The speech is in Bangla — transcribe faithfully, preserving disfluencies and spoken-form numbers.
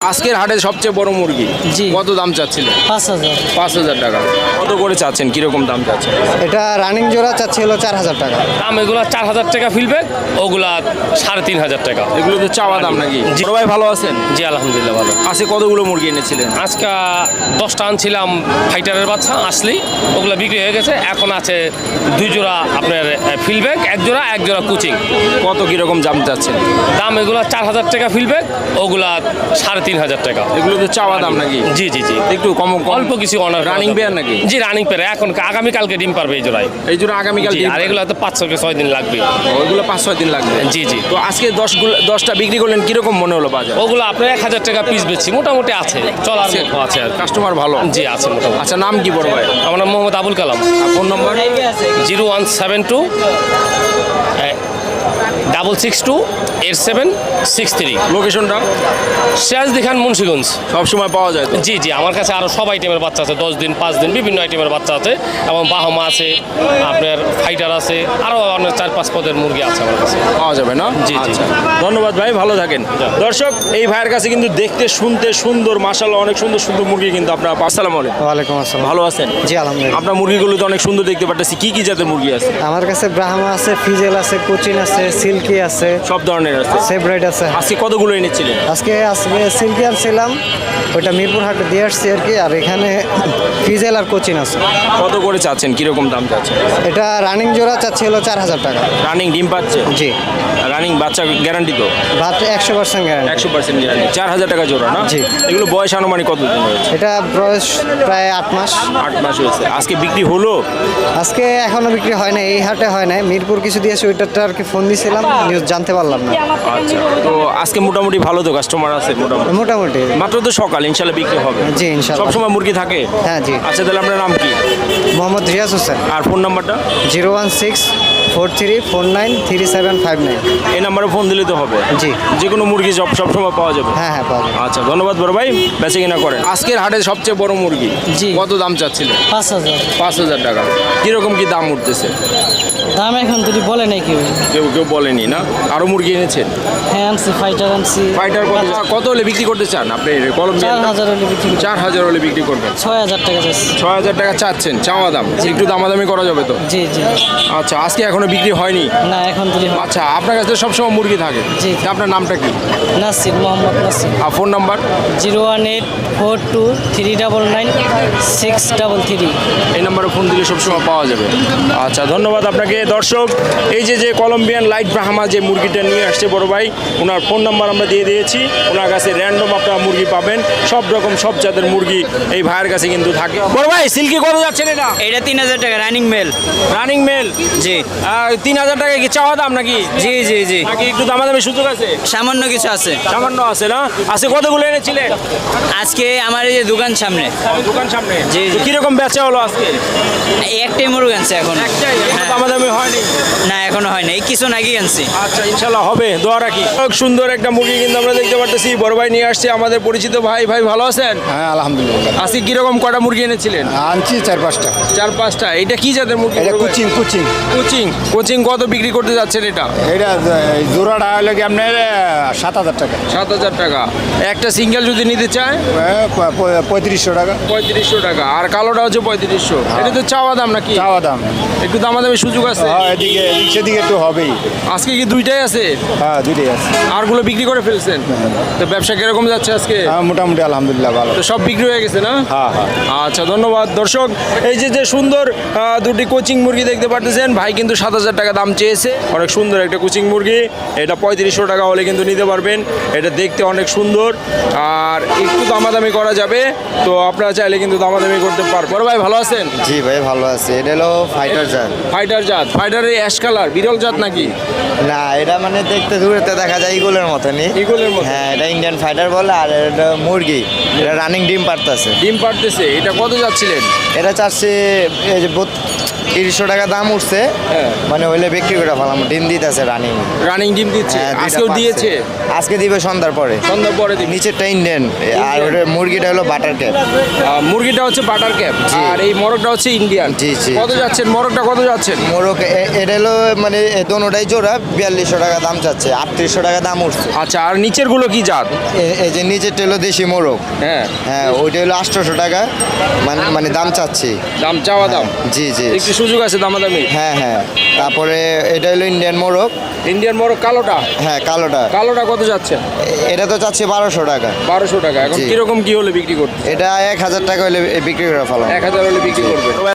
আজকের হাটে সবচেয়ে বড় মুরগি জি। কত দাম চাচ্ছিলেন? পাঁচ হাজার। পাঁচ হাজার টাকা। কত করে চাচ্ছেন, কিরকম দাম চাচ্ছেন? এটা রানিং জোড়া চাচ্ছি হলো চার হাজার টাকা। দাম এগুলা চার হাজার টাকা ফিলবে, ওগুলা সাড়ে তিন হাজার টাকা। এগুলো তো চাওয়া দাম নাকি? জি। বড় ভাই ভালো আছেন? জি আলহামদুলিল্লাহ ভালো। আজকে কতগুলো মুরগি এনেছিলেন? আজকে দশটা আনছিলাম ফাইটারের বাচ্চা, আসলেই ওগুলা বিক্রি হয়ে গেছে। এখন আছে দুই জোড়া আপনার ফিলব্যাক, এক জোড়া এক জোড়া কোচিং। কত কিরকম দাম চাচ্ছেন? দাম এগুলা চার হাজার টাকা ফিলব্যাক, ওগুলা সাড়ে তিন হাজার টাকা। এগুলো তো চাওয়া দাম নাকি? জি জি জি একটু কম কম- অল্প কিছু অনার রানিং পেয়ার নাকি? জি রানিং পেয়ার। এখন আগামীকালকে ডিম পারবে এই জোড়ায়। এই জন্য আগামীকাল জি, ডিম আর পারবে। এগুলো তো পাঁচ থেকে ছয় দিন লাগবে। ওইগুলো পাঁচ ছয় দিন লাগবে। জি জি তো আজকে দশগুলো দশটা বিক্রি করলেন, কিরকম মনে হলো বাজার? ওগুলো আপনার এক হাজার টাকা পিস বেচছি, মোটামুটি আছে, চলার মতো আছে আর কি। কাস্টমার ভালো? জি আছে মোটামুটি। আচ্ছা, নাম কি বড় ভাই? আমার নাম মোহাম্মদ আবুল কালাম। আর phone number? Zero one seven two double six two eight seven six three. লোকেশনটা? সিরাজদি খান, মুন্সিগঞ্জ। সবসময় পাওয়া যায় তো? জি জি আমার কাছে আরও সব আইটেমের বাচ্চা আছে, দশ দিন পাঁচ দিন বিভিন্ন আইটেমের বাচ্চা আছে, এবং বাহমা আছে, আপনার ফাইটার আছে, আরও অনেক চার পাঁচ পদের মুরগি আছে আমার কাছে। পাওয়া যাবে না? জি, জি। আচ্ছা। ধন্যবাদ ভাই, ভালো থাকেন। দর্শক, এই ভাইয়ের কাছে কিন্তু দেখতে শুনতে সুন্দর, মাশাআল্লাহ অনেক সুন্দর সুন্দর মুরগি কিন্তু আপনারা। আসসালামু আলাইকুম। ওয়ালাইকুম আসসালাম। ভালো আছেন? জি আলহামদুলিল্লাহ। আপনার মুরগিগুলো তো অনেক সুন্দর দেখতে পাচ্ছি। কি কি জাতের মুরগি আছে? আমার কাছে ব্রাহ্মা আছে, ফিজেল আছে, কোচিন আছে, সিল্কি আছে, সব ধরনের আছে। সেব্রাইড আছে। আজকে কতগুলো এনেছিলেন? আজকে আজকে সিল্কি আনছিলাম, ওইটা মিরপুর হাটে দিয়ে আসছি আর কি। আর এখানে ফিজেল আর কোচিন আছে। কত করে চাচ্ছেন, কিরকম দাম চাচ্ছেন? এটা রানিং জোড়া চাচ্ছি হলো চার হাজার টাকা। রানিং ডিম পাচ্ছে? জি। রানিং বাচ্চা গ্যারান্টি তো? ভাত একশো পার্সেন্ট গ্যারান্টি। একশো পার্সেন্ট গ্যারান্টি। চার হাজার টাকা জোড়া না? জি। এগুলো বয়স আনুমানিক কতদিন হয়েছে? এটা বয়স প্রায় আট মাস। আট মাস হয়েছে। আজকে বিক্রি হলো? আজকে এখনো বিক্রি হয় না, এই হাটে হয় না। মিরপুর কিছু দিয়েছে, ওইটারটা আর কি ফোন দিয়েছিলাম, নিউজ জানতে পারলাম না। আচ্ছা, তো আজকে মোটামুটি ভালো তো কাস্টমার আছে? মোটামুটি মোটামুটি। মাত্র তো সকাল, ইনশাল্লাহ বিক্রি হবে। জি, ইনশাল্লাহ। সবসময় মুরগি থাকে? হ্যাঁ জি। আচ্ছা, তাহলে আপনার নাম কি? মোহাম্মদ রিয়াজ হোসেন। আর ফোন নাম্বারটা? Zero one six four three four nine three seven five nine. এই নাম্বারে ফোন দিলে তো হবে? জি। যে কোনো মুরগি সব সবসময় পাওয়া যাবে? হ্যাঁ হ্যাঁ পাওয়া যাবে। আচ্ছা, ধন্যবাদ বড় ভাই, বেঁচে কিনা করেন। আজকের হাটে সবচেয়ে বড় মুরগি জি। কত দাম চাচ্ছিলেন? পাঁচ হাজার। পাঁচ হাজার টাকা। কিরকম কি দাম উঠতেছে? দাম এখন যদি বলে নাই কেউ। কেউ কেউ বলেনি না? আরো মুরগি এনেছেন? হ্যাঁ আনছি, ফাইটার আনছি। ফাইটার কত কত হলে বিক্রি করতে চান আপনি? কলম্বিয়ান চার হাজার হলে বিক্রি করি। চার হাজার হলে বিক্রি করবেন? ছয় হাজার টাকা যাচ্ছে। ছয় হাজার টাকা চাচ্ছেন চাওয়া দাম? একটু দামাদামি করা যাবে তো? জি জি। আচ্ছা, আজকে এখনো বিক্রি হয়নি? না এখন যদি হয়। আচ্ছা, আপনার কাছে সবসময় মুরগি থাকে? জি। তা আপনার নামটা কি? নাসির, মোহাম্মদ নাসির। আর phone number? Zero one eight four two three double nine six double three. এই নাম্বারে ফোন দিলে সবসময় পাওয়া যাবে। আচ্ছা, ধন্যবাদ আপনাকে। দর্শক, এই যে যে কলম্বিয়ান লাইট ব্রাহ্মা যে মুরগিটা নিয়ে আসছে বড় ভাই, ওনার ফোন নাম্বার আমরা দিয়ে দিয়েছি। ওনার কাছে র্যান্ডম আপনারা মুরগি পাবেন, সব রকম সব জাতের মুরগি এই ভাইয়ের কাছে কিন্তু থাকে। বড় ভাই, সিল্কি কত যাচ্ছেন এটা? এটা তিন হাজার টাকা রানিং মেল। Running male? জি তিন হাজার টাকা কি চাওয়া দাম নাকি? জি জি জি নাকি একটু দামাদামি সুযোগ আছে? সামান্য কিছু আছে। সামান্য আছে না? আজকে কতগুলো এনেছিলেন? আজকে আমার এই যে দোকান সামনে দোকান সামনে? জি, জি। তো কিরকম বেচা হলো আজকে? একটাই মুরগ আনছে এখন। একটাই? একটু হ্যাঁ। দামাদামি হয়নি? না এখনো হয় না, এই কিছু নাকি আনছি। আচ্ছা, ইনশাল্লাহ হবে, দোয়া রাখি। খুব সুন্দর একটা মুরগি কিন্তু আমরা দেখতে পারতেছি, বড় ভাই নিয়ে আসছে, আমাদের পরিচিত ভাই। ভাই ভালো আছেন? হ্যাঁ আলহামদুলিল্লাহ। আজকে কিরকম কটা মুরগি এনেছিলেন? আনছি চার পাঁচটা। চার পাঁচটা। এটা কি জাতের মুরগি? এটা বড় ভাই? কুচিং কুচিং। কোচিং। কোচিং কত বিক্রি করতে যাচ্ছেন এটা? এটা জোড়াটা হলো কি আপনার সাত হাজার টাকা। সাত হাজার টাকা। একটা সিঙ্গেল যদি নিতে চায়? পঁয়ত্রিশশো টাকা। পঁয়ত্রিশশো টাকা। আর কালোটা হচ্ছে পঁয়ত্রিশশো। এটা তো চাওয়া দাম নাকি? চাওয়া দাম। একটু দামাদামি সুযোগ আছে? হ্যাঁ এদিকে এদিক সেদিকে একটু হবেই। আজকে কি দুইটাই আছে? হ্যাঁ দুইটাই আছে। আরগুলো বিক্রি করে ফেলছেন? তো ব্যবসা কিরকম যাচ্ছে আজকে? হ্যাঁ মোটামুটি আলহামদুলিল্লাহ ভালো। তো সব বিক্রি হয়ে গেছে না? হ্যাঁ হ্যাঁ। আচ্ছা, ধন্যবাদ। দর্শক, এই যে যে সুন্দর আহ, দুটি কোচিং মুরগি দেখতে পাচ্ছেন, ভাই কিন্তু সাত হাজার টাকা দাম চেয়েছে। অনেক সুন্দর একটা কোচিং মুরগি। এটা পঁয়ত্রিশশো টাকা হলে কিন্তু নিতে পারবেন। এটা দেখতে অনেক সুন্দর, আর একটু দামাদামি করা যাবে। তো আপনারা চাইলে কিন্তু দামাদামি করতে পারবেন। বড় ভাই ভালো আছেন? জি ভাই ভালো আছে। এটা হলো ফাইটার জাত। ফাইটার জাত? ফাইটারের অ্যাশ কালার, বিরল জাত নাকি? না এটা মানে দেখতে দূরেতে দেখা যায় ইগলের মতনই। ইগলের মতো? হ্যাঁ এটা ইন্ডিয়ান ফাইটার বলে। আর এটা মুরগি, এটা রানিং ডিম পারতেছে। ডিম পারতেছে। এটা কত যাচ্ছিলেন? এটা চাচ্ছে এই যে তিরিশশো টাকা দাম উঠছে, হ্যাঁ। মানে হইলে বিক্রি করে ফেলাম। ডিম দিতেছে রানিং। রানিং ডিম দিচ্ছে হ্যাঁ, দুইটা আজকেও পারছে। দিয়েছে আজকে দিবে সন্ধ্যার পরে। সন্ধ্যার পরে দিবে। নিচেরটা ইন্ডিয়ান আর ওটা মুরগিটা হলো বাটার ক্যাপ। আহ, মুরগিটা হচ্ছে বাটার ক্যাপ জি। আর এই মরকটা হচ্ছে ইন্ডিয়ান। জি, জি, কত জি। যাচ্ছেন মরকটা, কত যাচ্ছেন? মোরগ এ- এটা হলো মানে এ দোনোটাই জোড়া বিয়াল্লিশশো টাকা দাম চাচ্ছে, আটত্রিশশো টাকা দাম উঠছে। আচ্ছা, আর নিচের গুলো কি জাত? এ- এই যে নিচেরটা হলো দেশি মোরগ। হ্যাঁ, হ্যাঁ, ওইটা হলো আটশোশো টাকা মানে মানে দাম চাচ্ছি। দাম চাওয়া দাম। জি জি একটু সুযোগ আছে দামাদামি। হ্যাঁ হ্যাঁ। তারপরে এটা হলো ইন্ডিয়ান মোরগ। ইন্ডিয়ান মরক কালোটা, হ্যাঁ, কালোটা কালোটা কত যাচ্ছে? এ- এটা তো চাচ্ছি বারোশো টাকা। বারোশো টাকা। এখন জি। কিরকম কি হলে বিক্রি করতে? এটা এক হাজার টাকা হলে বিক্রি করে ফেলাম। এক হাজার হলে বিক্রি করবে।